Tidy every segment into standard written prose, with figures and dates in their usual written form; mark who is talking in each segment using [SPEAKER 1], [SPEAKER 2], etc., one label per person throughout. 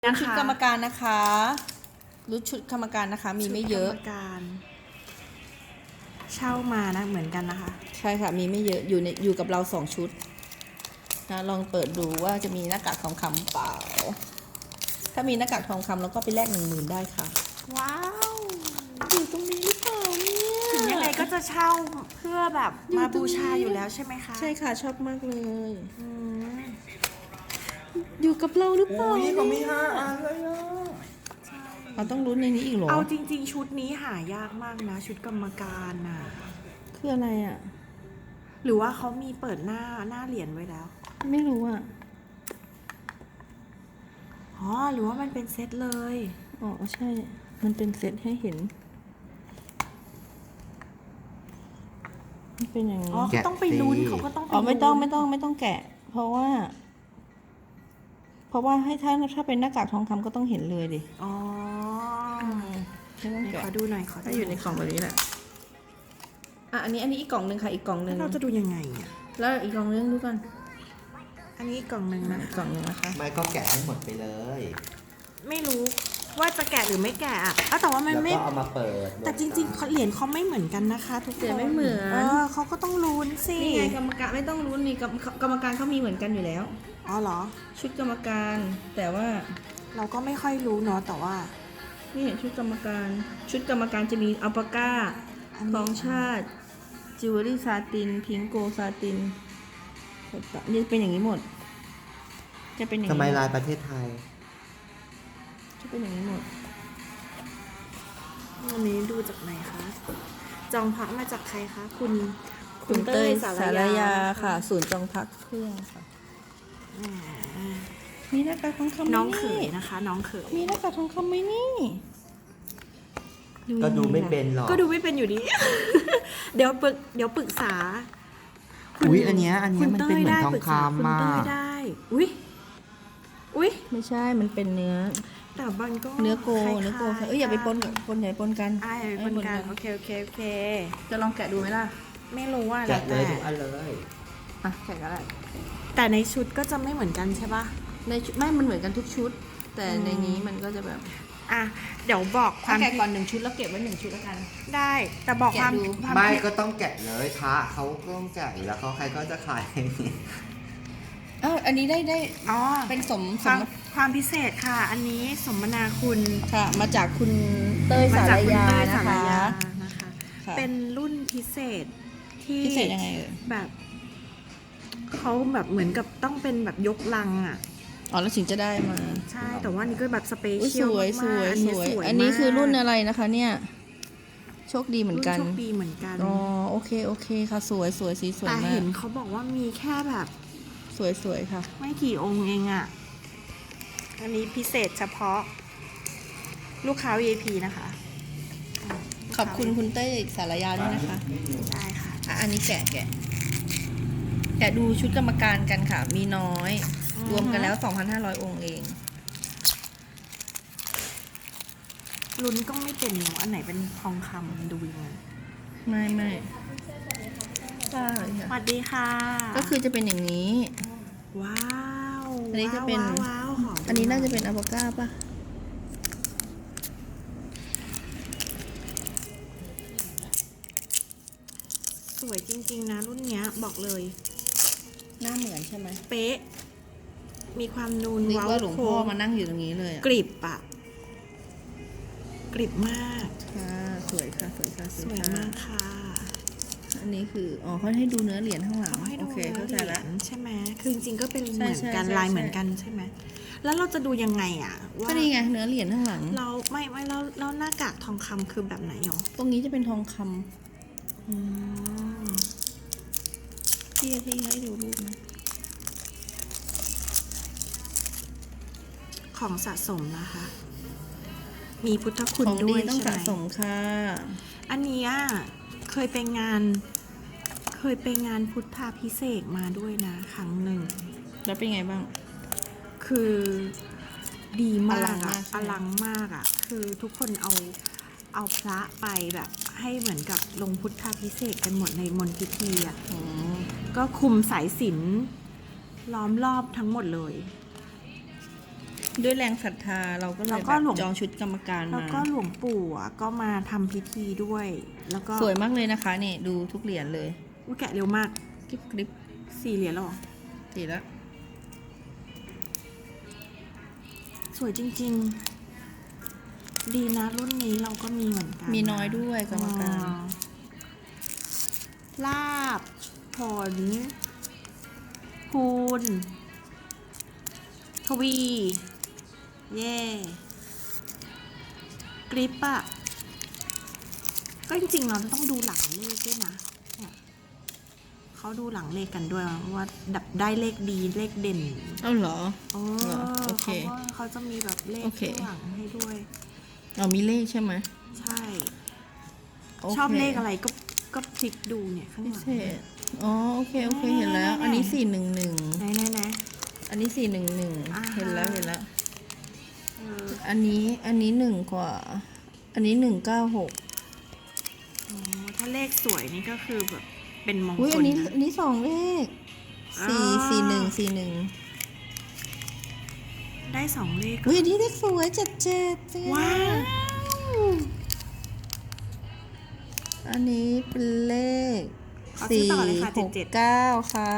[SPEAKER 1] ชุดกรรมการนะคะรุดชุดกรรมการนะคะมีไม่เยอะ
[SPEAKER 2] กรรมการเช่ามานะเหมือนกันนะคะ
[SPEAKER 1] ใช่ค่ะมีไม่เยอะอยู่กับเรา2 ชุดนะลองเปิดดูว่าจะมีหน้ากากทองคำเปล่าถ้ามีหน้ากากทองคำแล้วก็ไปแลก10,000ได้ค่ะ
[SPEAKER 2] ว้าว
[SPEAKER 1] อยู่ตรงนี้หรือเปล่าเนี่ย
[SPEAKER 2] ถึงยังไงก็จะเช่าเพื่อแบบมาบูชาอยู่แล้วใช่ไหมคะ
[SPEAKER 1] ใช่ค่ะชอบมากเลยอยู่กับเราหรือเปล่า
[SPEAKER 3] อุ้ยเขามี5 อันเลยอ่ะ
[SPEAKER 1] เราต้องลุ้นในนี้อีกเหรอ
[SPEAKER 2] เอาจริงๆชุดนี้หายากมากนะชุดกรรมการน่ะ
[SPEAKER 1] คืออะไรอ่ะ
[SPEAKER 2] หรือว่าเขามีเปิดหน้าเหรียญไว้แล้ว
[SPEAKER 1] ไม่รู้อ่ะ
[SPEAKER 2] อ๋อหรือว่ามันเป็นเซตเลย
[SPEAKER 1] อ๋อใช่มันเป็นเซตให้เห็นมันเป็นอย่างนี้
[SPEAKER 2] อ๋อเขาต้องไปลุ้นเขาก็ต้องไป
[SPEAKER 1] อ๋อไม่ต้องแกะเพราะว่าให้ถ้าเป็นหน้ากากทองคำก็ต้องเห็นเลยดิ
[SPEAKER 2] อ๋อ
[SPEAKER 1] ไม่ต้องแกะ
[SPEAKER 2] ขอดูหน่อยขอ
[SPEAKER 1] ถ้าอยู่ในกล่องแบบนี้แหละอันนี้อีกกล่องหนึ่งค่ะอีกกล่องหนึ่ง
[SPEAKER 2] เราจะดูยังไงอ่ะ
[SPEAKER 1] แล้วอีกกล่องนึงดูกัน
[SPEAKER 2] อันนี้กล่องหนึ่งนะ
[SPEAKER 1] กล่องนึงนะคะ
[SPEAKER 3] ไม่ก็แกะให้หมดไปเลย
[SPEAKER 2] ไม่รู้ว่าจะแกะหรือไม่แกะอ่ะแต่ว่ามันไม่
[SPEAKER 3] แล้วก็เอามาเปิด
[SPEAKER 2] แต่จริงๆเหรียญเขาไม่เหมือนกันนะคะทุกคน
[SPEAKER 1] ไม่เหมือน
[SPEAKER 2] เขาก็ต้องลุ้นสิ
[SPEAKER 1] นี่ไงกรรมการไม่ต้องลุ้นนี่กรรมการเขามีเหมือนกันอยู่แล้ว
[SPEAKER 2] อ๋อเหรอ
[SPEAKER 1] ชุดกรรมการแต่ว่า
[SPEAKER 2] เราก็ไม่ค่อยรู้เนาะแต่ว่า
[SPEAKER 1] นี่ชุดกรรมการจะมีอัลปาก้าทองชาติจิวเวลรี่ซาตินพิงโกซาตินนี่เป็นอย่างนี้หมดจะเป็นอย่างนี้
[SPEAKER 3] ทำไมลายประเทศไทย
[SPEAKER 1] จะเป็นอย่างนี้หมด
[SPEAKER 2] วันนี้ดูจากไหนคะจองพักมาจากใครคะคุณ
[SPEAKER 1] เต้ยสารยาค่ะศูนย์จองพักเครื่องค่ะมีหน้ากากทองคำ
[SPEAKER 2] น้องเขยนะคะน้องเขย
[SPEAKER 1] มีหน้ากากทองคำไหมนี่
[SPEAKER 3] ก็ดูไม่เป็นหรอก
[SPEAKER 2] ก็ดูไม่เป็นอยู่ดี เดี๋ยวปรึกษา
[SPEAKER 3] อุ้ยอันเนี้ยมันเป็นเหมือนทองคำมา
[SPEAKER 2] ได้อุ้ย
[SPEAKER 1] ไม่ใช่มันเป็นเนื้อ
[SPEAKER 2] แต่มันก็
[SPEAKER 1] เนื้อโกอย่าไปปนกันอย่าไปปนกัน
[SPEAKER 2] อย่าไปปนกันโอเค
[SPEAKER 1] จะลองแกะดูไหมล่ะ
[SPEAKER 2] ไม่รู้ว่า
[SPEAKER 3] แกะเลยทุกอันเลย
[SPEAKER 1] แกะก็ได้
[SPEAKER 2] แต่ในชุดก็จะไม่เหมือนกันใช่ปะ
[SPEAKER 1] ในชุดไม่มันเหมือนกันทุกชุดแต่ในนี้มันก็จะแบบ
[SPEAKER 2] เดี๋ยวบอกความ
[SPEAKER 1] แกะก่อน1 ชุดแล้วเก็บไว้1 ชุดแล้วกัน
[SPEAKER 2] ได้แต่บอกความ
[SPEAKER 3] ไม่ก็ต้องแกะเลยพระเขาก็ต้องแกะแล้วเขาใครก็จะขาย
[SPEAKER 1] อันนี้ได้เป็น
[SPEAKER 2] ความพิเศษค่ะอันนี้สมนาคุณ
[SPEAKER 1] ค่ะมาจากคุณเต้ยสารยานะคะ
[SPEAKER 2] เป็นรุ่นพิเศษที่
[SPEAKER 1] พิเศษยังไง
[SPEAKER 2] แบบเขาแบบเหมือนกับต้องเป็นแบบยกลัง
[SPEAKER 1] แล้วถึงจะได้มา
[SPEAKER 2] ใช่แต่ว่านี่ก็แบบสเปเชียล
[SPEAKER 1] สวยอันนี้คือรุ่นอะไรนะคะเนี่ยโชคดีเหมือนกัน
[SPEAKER 2] โชคดีเหมือนกัน
[SPEAKER 1] โอเคค่ะสวยสีสวยมาก
[SPEAKER 2] แต่เห็นเขาบอกว่ามีแค่แบบ
[SPEAKER 1] สวยค่ะ
[SPEAKER 2] ไม่กี่องค์เองอันนี้พิเศษเฉพาะลูกค้า VIP นะคะ
[SPEAKER 1] ขอบคุณคุณเต้ยสารยาด้วยนะคะ
[SPEAKER 2] ได้ค่ะ
[SPEAKER 1] อันนี้แกะดูชุดกรรมการกันค่ะมีน้อยรวมกันแล้ว 2,500 องค์เอง
[SPEAKER 2] ลุ้นก็ไม่เป็นเนาะอันไหนเป็นทองคำดูยังไง
[SPEAKER 1] ไม่
[SPEAKER 2] สวัสดีค่ะ
[SPEAKER 1] ก็คือจะเป็นอย่างนี้
[SPEAKER 2] ว้าว
[SPEAKER 1] อันนี้จะเป็นอันนี้น่าจะเป็นอัลปาก้าป่ะ
[SPEAKER 2] สวยจริงๆนะรุ่นเนี้ยบอกเลย
[SPEAKER 1] หน้าเหมือนใช่ไหม
[SPEAKER 2] เป๊ะมีความนูน
[SPEAKER 1] ว้าวหลวงพ่อมานั่งอยู่ตรงนี้เลย
[SPEAKER 2] กริบกริบมาก
[SPEAKER 1] ค่ะสวย
[SPEAKER 2] มากค่ะ
[SPEAKER 1] อันนี้คือเขาให้ดูเนื้อเหรียญข้างหลัง
[SPEAKER 2] โอเคเข้าใจแล้วใช่ไหมคือจริงๆก็เป็นเหมือนกันลายเหมือนกันใช่ไหมแล้วเราจะดูยังไงว่า
[SPEAKER 1] ก็นี่ไงเนื้อเหรียญข้างหลัง
[SPEAKER 2] เราไม่แล้วหน้ากากทองคำคือแบบไหนหรอ
[SPEAKER 1] ตรงนี้จะเป็นทองคำที่ให้ดูรูปนะ
[SPEAKER 2] ของสะสมนะคะมีพุทธคุณด้วย
[SPEAKER 1] ต้องสะสมค่ะ
[SPEAKER 2] อันนี้เคยไปงานพุทธาภิเษกมาด้วยนะครั้งหนึ่ง
[SPEAKER 1] แล้วเป็นไงบ้าง
[SPEAKER 2] คือดีมากอลังมากคือทุกคนเอาพระไปแบบให้เหมือนกับลงพุทธาภิเษกกันหมดในมณฑพิธีก็คุมสายสิญจน์ล้อมรอบทั้งหมดเลย
[SPEAKER 1] ด้วยแรงศรัทธาเราก็เลย
[SPEAKER 2] แล้ว
[SPEAKER 1] แบ
[SPEAKER 2] ก็
[SPEAKER 1] บ
[SPEAKER 2] หลวง
[SPEAKER 1] จองชุดกรรมการ
[SPEAKER 2] แล้ว
[SPEAKER 1] มา
[SPEAKER 2] ก็หลวงปู่อ่ะก็มาทำพิธีด้วย แล้วก็
[SPEAKER 1] สวยมากเลยนะคะนี่ดูทุกเหรียญเลย
[SPEAKER 2] อุ๊ยแกะเร็วมาก
[SPEAKER 1] กริบกริบ
[SPEAKER 2] 4 เหรียญแล้วเหรอ
[SPEAKER 1] ดีแล้ว
[SPEAKER 2] สวยจริงๆ ดีนะรุ่นนี้เราก็มีเหมือนกัน
[SPEAKER 1] มีน้อยด้วยกรรมการ
[SPEAKER 2] ลาบ ผล คูณ ทวี เย่กริปอะก็จริงๆเราต้องดูหลังเลขด้วยนะเนี่ยเขาดูหลังเลขกันด้วยว่าดับได้เลขดีเลขเด่น
[SPEAKER 1] เอ้าเหรอ
[SPEAKER 2] โอ้
[SPEAKER 1] เหรอโอเค
[SPEAKER 2] เขาจะมีแบบเลข
[SPEAKER 1] โอเค
[SPEAKER 2] ข้างหลังให้ด้วย
[SPEAKER 1] อ๋อมีเลขใช่ไหม
[SPEAKER 2] ใช่
[SPEAKER 1] โค
[SPEAKER 2] ชอบเลขอะไรก็พลิกดูเนี่ยข้าง
[SPEAKER 1] พิ
[SPEAKER 2] หลัง
[SPEAKER 1] เศษอ๋อโอเคโอเคเห็นแล้ว อันนี้411
[SPEAKER 2] ไหน
[SPEAKER 1] อันนี้411
[SPEAKER 2] อ่าฮะ
[SPEAKER 1] เห็นแล้วเห็นแล้ว
[SPEAKER 2] เออ
[SPEAKER 1] อันนี้1กว่า อันนี้196
[SPEAKER 2] โอ้ถ้าเลขสวยนี่ก็คือแบบเป็นมง
[SPEAKER 1] อุ้ย
[SPEAKER 2] ค
[SPEAKER 1] อั
[SPEAKER 2] ล
[SPEAKER 1] นนี้
[SPEAKER 2] นะ
[SPEAKER 1] อันนี้2เลข
[SPEAKER 2] อ่า
[SPEAKER 1] 4141
[SPEAKER 2] ได้2 เลข
[SPEAKER 1] อุ้ยอันนี้เลขสวย77เป็นไง
[SPEAKER 2] ว้าว
[SPEAKER 1] อันนี้เป็นเลข
[SPEAKER 2] เอาชื่อต่อเลยค่ะ77
[SPEAKER 1] 469ค่ะ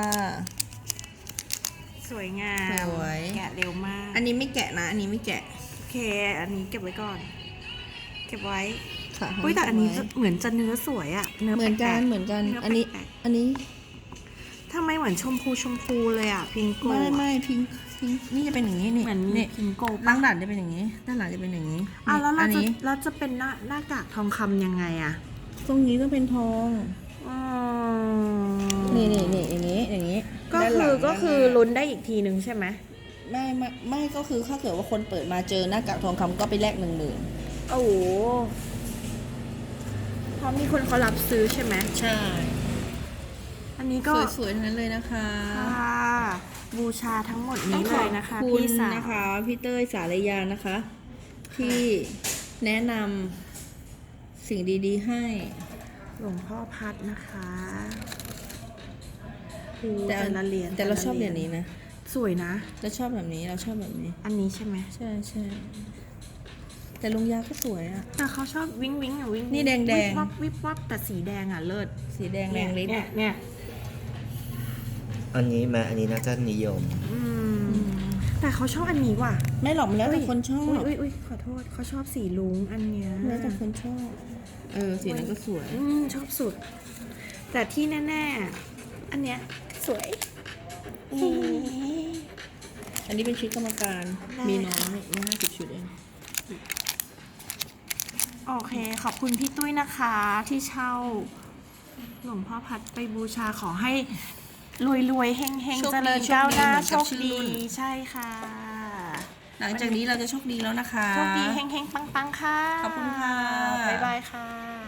[SPEAKER 2] สวยงาม
[SPEAKER 1] สวย
[SPEAKER 2] แกะเร็วมาก
[SPEAKER 1] อันนี้ไม่แกะนะ อันนี้ไม่แกะ
[SPEAKER 2] โอเค อันนี้เก็บไว้ก่อน เก็บไว้
[SPEAKER 1] ค่ะ
[SPEAKER 2] อุ้ยแต่อันนี้
[SPEAKER 1] ไว้
[SPEAKER 2] เหมือนจะเนื้อสวยอะเนื้อ
[SPEAKER 1] เหมือนกัน
[SPEAKER 2] แปลๆ
[SPEAKER 1] เหมือนกัน
[SPEAKER 2] เนื้
[SPEAKER 1] อันนี้
[SPEAKER 2] แปลก
[SPEAKER 1] อันนี้
[SPEAKER 2] ๆทำไมเหมือนชมพูเลยอะพิงโก
[SPEAKER 1] ไม่พิงนี่จะเป็นอย่างนี้นี่
[SPEAKER 2] เหมือนมี
[SPEAKER 1] นี่
[SPEAKER 2] พิงโก
[SPEAKER 1] ด้า
[SPEAKER 2] ปะ
[SPEAKER 1] นหลังจะเป็นอย่างนี้ ด้านหลังจะเป็นอย่างนี้
[SPEAKER 2] อ่ะแล้ว
[SPEAKER 1] อั
[SPEAKER 2] เราจะ
[SPEAKER 1] นี้
[SPEAKER 2] เราจะเป็นหน้ากากทองคำยังไงอะ
[SPEAKER 1] ตรงนี้ต้องเป็นทอง
[SPEAKER 2] อ๋อ
[SPEAKER 1] นี่อย่างนี้อย่างนี้
[SPEAKER 2] ก็
[SPEAKER 1] ด้านห
[SPEAKER 2] คื
[SPEAKER 1] ลั
[SPEAKER 2] อง ก็คือ
[SPEAKER 1] ด้านหน้า
[SPEAKER 2] ลุ้นได้อีกทีนึงใช่ไหม
[SPEAKER 1] ไม่ก็คือถ้าเกิดว่าคนเปิดมาเจอหน้ากากทองคำก็ไปแลก10,000
[SPEAKER 2] โอ้โหเพราะมีคนเขารับซื้อใช่ไหม
[SPEAKER 1] ใช่
[SPEAKER 2] อันนี้ก็
[SPEAKER 1] สวยๆทั้งนั้นเลยนะคะ
[SPEAKER 2] ค่ะบูชาทั้งหมดนี้เลยนะคะ
[SPEAKER 1] ขอบ
[SPEAKER 2] พี่
[SPEAKER 1] ณ
[SPEAKER 2] สาว
[SPEAKER 1] นะคะพี่เต้ยสารยานะคะ ที่แนะนำสิ่งดีๆให้
[SPEAKER 2] หลวงพ่อพัดนะคะโอ้
[SPEAKER 1] แต่
[SPEAKER 2] แต่ละเหรียญ
[SPEAKER 1] แต่เราชอบเหรียญนี้นะ
[SPEAKER 2] สวยนะ
[SPEAKER 1] เราชอบแบบนี้เราชอบแบบนี้
[SPEAKER 2] อันนี้ใช่ไหม
[SPEAKER 1] ใช่แต่ลุงยาก็สวยอะ
[SPEAKER 2] แต่เขาชอบวิ้งอ่ะวิ้ง
[SPEAKER 1] นี่แดงๆ
[SPEAKER 2] วิบวับวิบวับแต่สีแดงอ่ะเลิศ
[SPEAKER 1] สีแดงแรงฤทธิ์
[SPEAKER 2] เนี่ย
[SPEAKER 3] อันนี้อันนี้น่าจะนิยม
[SPEAKER 2] อืมแต่เขาชอบอันนี้ว่ะ
[SPEAKER 1] ไม่หรอกมันแล้วแต่คนชอบ
[SPEAKER 2] อุ้ยขอโทษเขาชอบสีลุงอันเนี้ย
[SPEAKER 1] แล้วแต่คนชอบสีนั้นก็สวย
[SPEAKER 2] ชอบสุด แต่ที่แน่ๆอันเนี้ยสวย
[SPEAKER 1] อันนี้เป็นชุดกรรมการ
[SPEAKER 2] ได้
[SPEAKER 1] มีน้อยมี50 ชุดเอง
[SPEAKER 2] โอเค ขอบคุณพี่ตุ้ยนะคะที่เช่าหลวงพ่อพัดไปบูชาขอให้รวยๆเฮงๆเจริญก้าวหน้าโชคดีใช่ค่ะ
[SPEAKER 1] หลังจากนี้เราจะโชคดีแล้วนะคะ
[SPEAKER 2] โชคดีเฮงๆปังๆค่ะ
[SPEAKER 1] ขอบคุณค่ะ
[SPEAKER 2] บ๊ายบายค่ะ